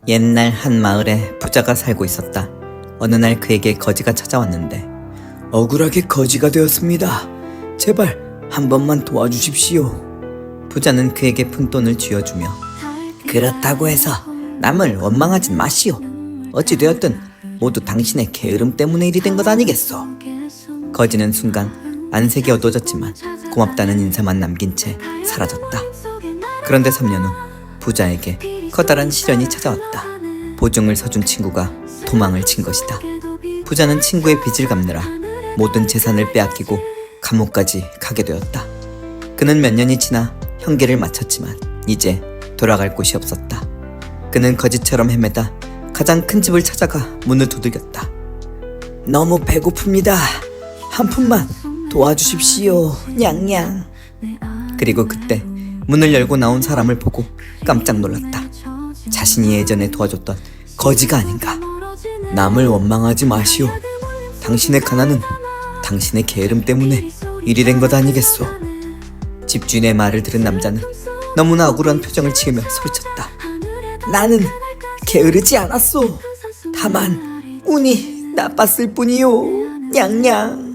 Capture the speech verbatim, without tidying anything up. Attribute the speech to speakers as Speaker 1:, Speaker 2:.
Speaker 1: 옛날 한 마을에 부자가 살고 있었다. 어느 날 그에게 거지가 찾아왔는데 억울하게 거지가 되었습니다. 제발 한 번만 도와주십시오. 부자는 그에게 푼돈을 쥐어주며 그렇다고 해서 남을 원망하진 마시오. 어찌되었든 모두 당신의 게으름 때문에 일이 된 것 아니겠소. 거지는 순간 안색이 어두워졌지만 고맙다는 인사만 남긴 채 사라졌다. 그런데 삼 년 후 부자에게 커다란 시련이 찾아왔다. 보증을 서준 친구가 도망을 친 것이다. 부자는 친구의 빚을 갚느라 모든 재산을 빼앗기고 감옥까지 가게 되었다. 그는 몇 년이 지나 형기를 마쳤지만 이제 돌아갈 곳이 없었다. 그는 거지처럼 헤매다 가장 큰 집을 찾아가 문을 두들겼다. 너무 배고픕니다. 한 푼만 도와주십시오. 냥냥. 그리고 그때 문을 열고 나온 사람을 보고 깜짝 놀랐다. 자신이 예전에 도와줬던 거지가 아닌가. 남을 원망하지 마시오. 당신의 가난은 당신의 게으름 때문에 일이 된 것 아니겠소. 집주인의 말을 들은 남자는 너무나 억울한 표정을 지으며 소리쳤다. 나는 게으르지 않았소. 다만 운이 나빴을 뿐이요. 냥냥.